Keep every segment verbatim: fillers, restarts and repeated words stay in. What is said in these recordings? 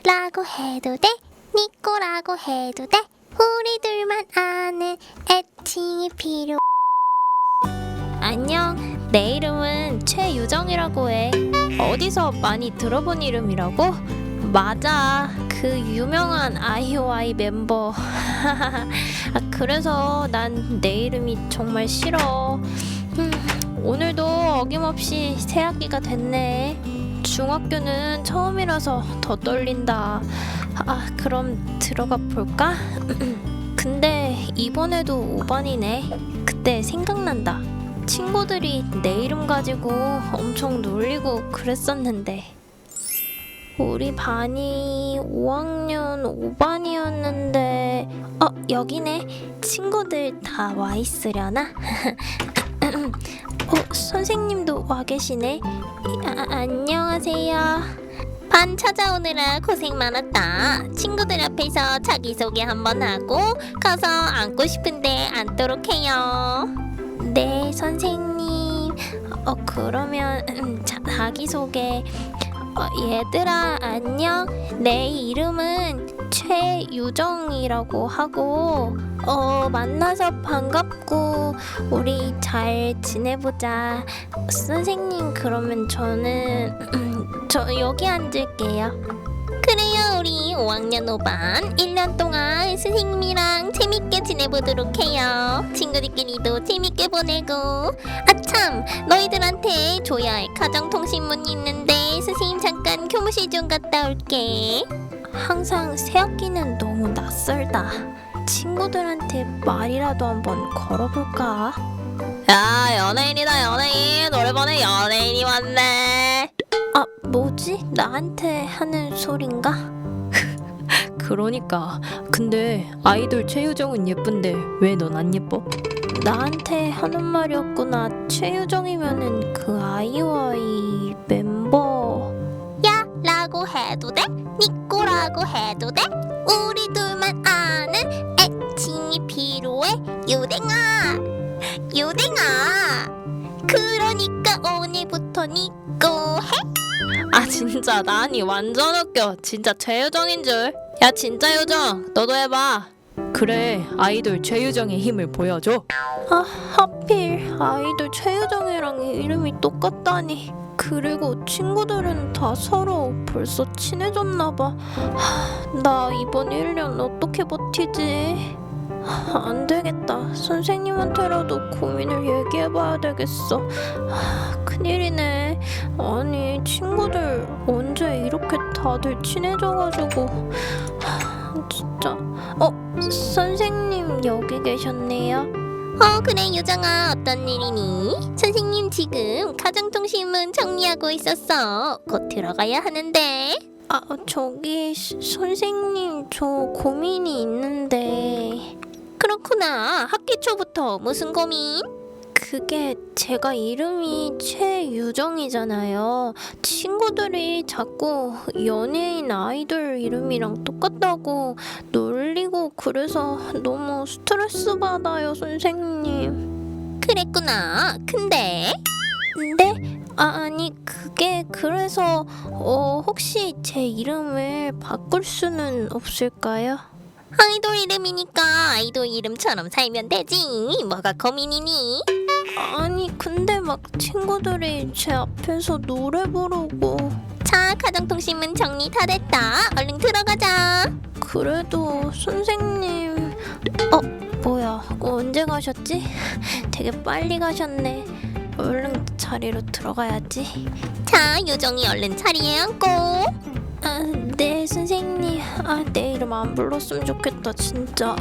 라고 해도 돼, 니꼬라고 해도 돼. 우리 둘만 아는 애칭이 필요. 안녕, 내 이름은 최유정이라고 해. 어디서 많이 들어본 이름이라고? 맞아, 그 유명한 아이오아이 멤버. 아, 그래서 난 내 이름이 정말 싫어. 음, 오늘도 어김없이 새 학기가 됐네. 중학교는 처음이라서 더 떨린다. 아, 그럼 들어가 볼까? 근데 이번에도 오 반이네. 그때 생각난다. 친구들이 내 이름 가지고 엄청 놀리고 그랬었는데. 우리 반이 오 학년 오 반이었는데 어, 여기네. 친구들 다 와 있으려나? 어, 선생님도 와 계시네. 아, 안녕하세요. 반 찾아오느라 고생 많았다. 친구들 앞에서 자기소개 한번 하고 가서 앉고 싶은데 앉도록 해요. 네, 선생님. 어, 그러면 음, 자, 자기소개. 어, 얘들아, 안녕. 내 이름은 최유정이라고 하고 어, 만나서 반갑고 우리 잘 지내보자. 선생님, 그러면 저는 음, 저 여기 앉을게요. 그래요, 우리 오 학년 오 반 일 년 동안 선생님이랑 재밌게 지내보도록 해요. 친구들끼리도 재밌게 보내고. 아참, 너희들한테 줘야 할 가정통신문이 있는데 선생님 잠깐 교무실 좀 갔다 올게. 항상 새학기는 너무 낯설다. 친구들한테 말이라도 한번 걸어볼까? 야, 연예인이다, 연예인. 노래방에 연예인이 왔네. 아, 뭐지? 나한테 하는 소린가? 그러니까. 근데 아이돌 최유정은 예쁜데 왜 넌 안 예뻐? 나한테 하는 말이었구나. 최유정이면은 그 아이오아이 멤버. 야 라고 해도 돼? 니꼬라고 해도 돼? 우리 둘만 아는 애칭이 필요해. 유댕아, 유댕아. 그러니까 오늘부터 니꼬 해. 아 진짜 나니 완전 웃겨. 진짜 최유정인 줄. 야 진짜 유정 너도 해봐. 그래, 아이돌 최유정의 힘을 보여줘. 아, 하필 아이돌 최유정이랑 이름이 똑같다니. 그리고 친구들은 다 서로 벌써 친해졌나봐. 나 이번 일 년 어떻게 버티지? 하, 안 되겠다. 선생님한테라도 고민을 얘기해봐야 되겠어. 하, 큰일이네. 아니, 친구들 언제 이렇게 다들 친해져가지고. 하, 진짜. 어, 선생님 여기 계셨네요. 어 그래 유정아, 어떤 일이니? 선생님 지금 가정통신문 정리하고 있었어. 곧 들어가야 하는데. 아, 저기 스- 선생님 저 고민이 있는데. 그렇구나. 학기 초부터 무슨 고민? 그게 제가 이름이 최유정이잖아요. 친구들이 자꾸 연예인 아이돌 이름이랑 똑같다고 놀리고 그래서 너무 스트레스 받아요, 선생님. 그랬구나. 근데 네? 아, 아니 그게 그래서 어, 혹시 제 이름을 바꿀 수는 없을까요? 아이돌 이름이니까 아이돌 이름처럼 살면 되지. 뭐가 고민이니? 아니 근데 막 친구들이 제 앞에서 노래 부르고. 자, 가정통신문 정리 다 됐다. 얼른 들어가자. 그래도 선생님. 어, 뭐야, 언제 가셨지? 되게 빨리 가셨네. 얼른 자리로 들어가야지. 자, 유정이 얼른 자리에 앉고. 아, 네 선생님. 아, 내 이름 안 불렀으면 좋겠다 진짜.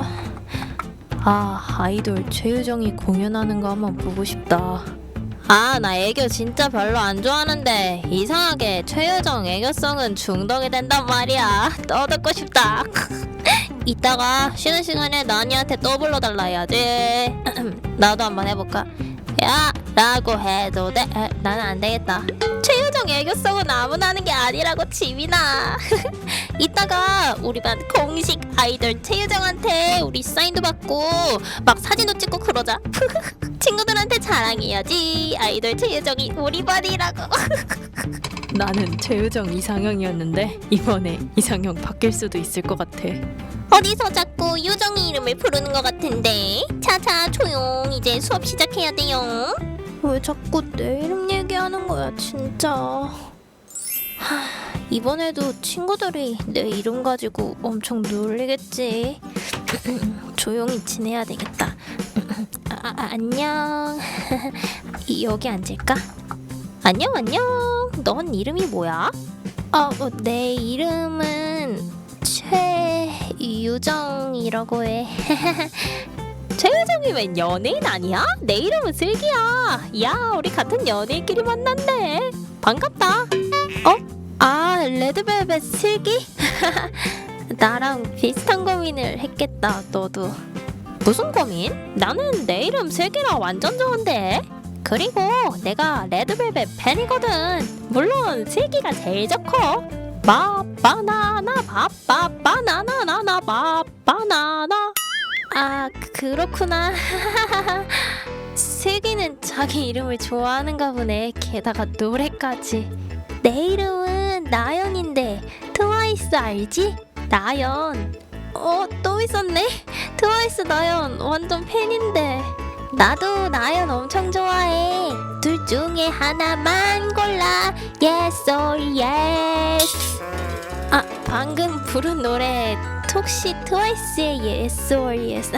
아, 아이돌 최유정이 공연하는 거 한번 보고 싶다. 아, 나 애교 진짜 별로 안 좋아하는데 이상하게 최유정 애교성은 중독이 된단 말이야. 또 듣고 싶다. 이따가 쉬는 시간에 나니한테 또 불러달라 해야지. 나도 한번 해볼까? 야 라고 해도 돼? 에, 나는 안 되겠다. 최유정 애교성은 아무나 하는 게 아니라고, 지민아. 이따가 우리 반 공식 아이돌 최유정한테 우리 사인도 받고 막 사진도 찍고 그러자. 친구들한테 잘 사랑해야지. 아이돌 최유정이 우리 반이라고. 나는 최유정 이상형이었는데 이번에 이상형 바뀔 수도 있을 것 같아. 어디서 자꾸 유정이 이름을 부르는 것 같은데. 자자 조용. 이제 수업 시작해야 돼요. 왜 자꾸 내 이름 얘기하는 거야 진짜. 하, 이번에도 친구들이 내 이름 가지고 엄청 놀리겠지. 조용히 지내야 되겠다. 아, 아, 안녕. 여기 앉을까? 안녕 안녕. 넌 이름이 뭐야? 아, 어, 내 이름은 최유정이라고 해. 최유정이면 연예인 아니야? 내 이름은 슬기야. 야 우리 같은 연예인끼리 만났네. 반갑다. 아, 레드벨벳 슬기? 나랑 비슷한 고민을 했겠다, 너도. 무슨 고민? 나는 내 이름 슬기라 완전 좋은데. 그리고 내가 레드벨벳 팬이거든. 물론 슬기가 제일 좋고. 바 바나나 바바 바나나나나 바 바나나. 아, 그렇구나. 슬기는 자기 이름을 좋아하는가 보네. 게다가 노래까지. 내 이름은 나연인데 트와이스 알지? 나연. 어, 또 있었네. 트와이스 나연 완전 팬인데. 나도 나연 엄청 좋아해. 둘 중에 하나만 골라. Yes or yes. 아, 방금 부른 노래 혹시 트와이스의 Yes or Yes.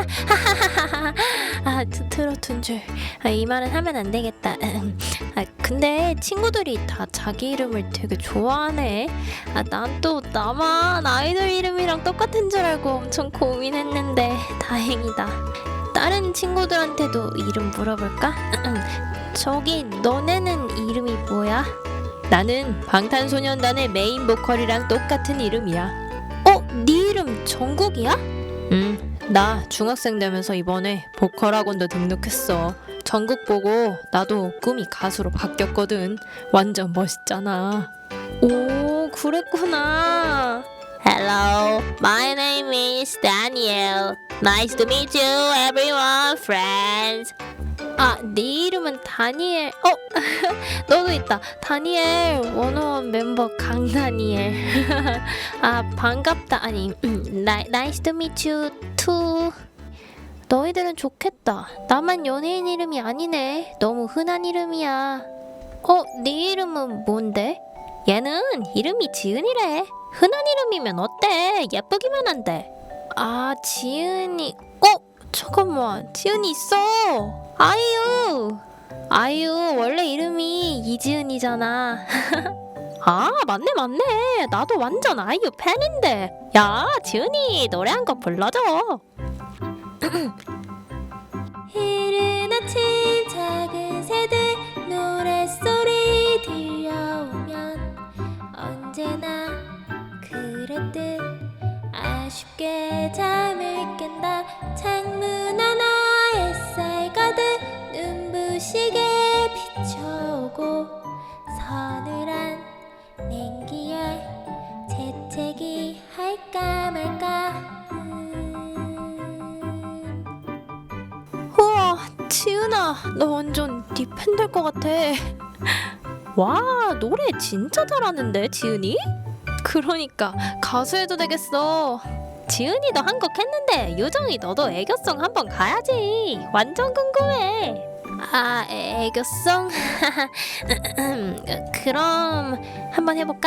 아, 트- 트로트인 줄. 아, 이 말은 하면 안 되겠다. 아, 근데 친구들이 다 자기 이름을 되게 좋아하네. 아, 난 또 나만 아이돌 이름이랑 똑같은 줄 알고 엄청 고민했는데 다행이다. 다른 친구들한테도 이름 물어볼까? 저기 너네는 이름이 뭐야? 나는 방탄소년단의 메인 보컬이랑 똑같은 이름이야. 어? 네 이름 정국이야? 음, 나 중학생 되면서 이번에 보컬 학원도 등록했어. 전국 보고 나도 꿈이 가수로 바뀌었거든. 완전 멋있잖아. 오, 그랬구나. Hello, my name is Daniel. Nice to meet you, everyone, friends. 아, 네 이름은 다니엘. 어? 너도 있다. 다니엘 원오원 멤버 강다니엘. 아, 반갑다. 아니, 나, nice to meet you too. 너희들은 좋겠다. 나만 연예인 이름이 아니네. 너무 흔한 이름이야. 어, 네 이름은 뭔데? 얘는 이름이 지은이래. 흔한 이름이면 어때? 예쁘기만 한데. 아, 지은이. 어? 잠깐만. 지은이 있어. 아이유. 아이유 원래 이름이 이지은이잖아. 아 맞네 맞네. 나도 완전 아이유 팬인데. 야 지은이 노래 한 곡 불러줘. 이른 아침 작은 새들 노랫소리 들려오면 언제나 그랬듯 아쉽게 잠을 깬다. 창문 하나 햇살 가득 눈부시게 비춰오고 서늘한 냉기에 재채기 할까 말까. 우와, 지은아, 너 완전 네 팬 될 것 같아. 와 노래 진짜 잘하는데 지은이? 그러니까 가수 해도 되겠어. 지은이도 한 곡 했는데 유정이 너도 애교송 한번 가야지. 완전 궁금해. 아, 애- 애교송? 그럼 한번 해볼까?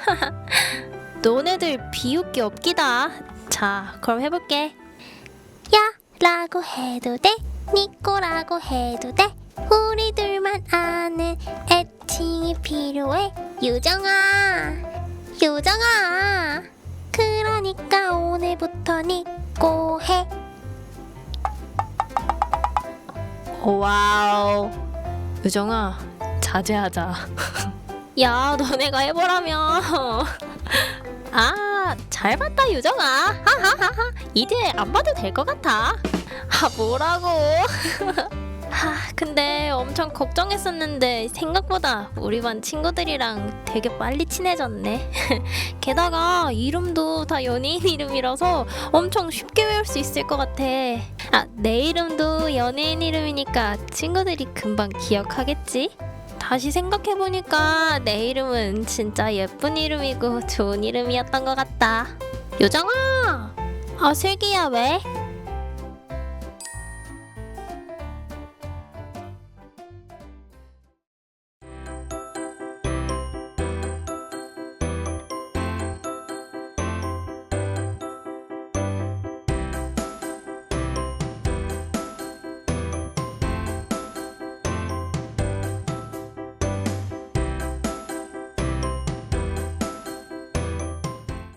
너네들 비웃기 없기다. 자, 그럼 해볼게. 야 라고 해도 돼, 니꼬라고 해도 돼, 우리들만 아는 애칭이 필요해. 유정아, 유정아, 그러니까 오늘부터 니꼬 해. 와우. 유정아, 자제하자. 야, 너네가 해보라며. 아 잘 봤다 유정아. 하하하하. 이제 안 봐도 될 것 같아. 아, 뭐라고? 하, 근데 엄청 걱정했었는데 생각보다 우리 반 친구들이랑 되게 빨리 친해졌네. 게다가 이름도 다 연예인 이름이라서 엄청 쉽게 외울 수 있을 것 같아. 아, 내 이름도 연예인 이름이니까 친구들이 금방 기억하겠지? 다시 생각해보니까 내 이름은 진짜 예쁜 이름이고 좋은 이름이었던 것 같다. 요정아! 아, 슬기야 왜?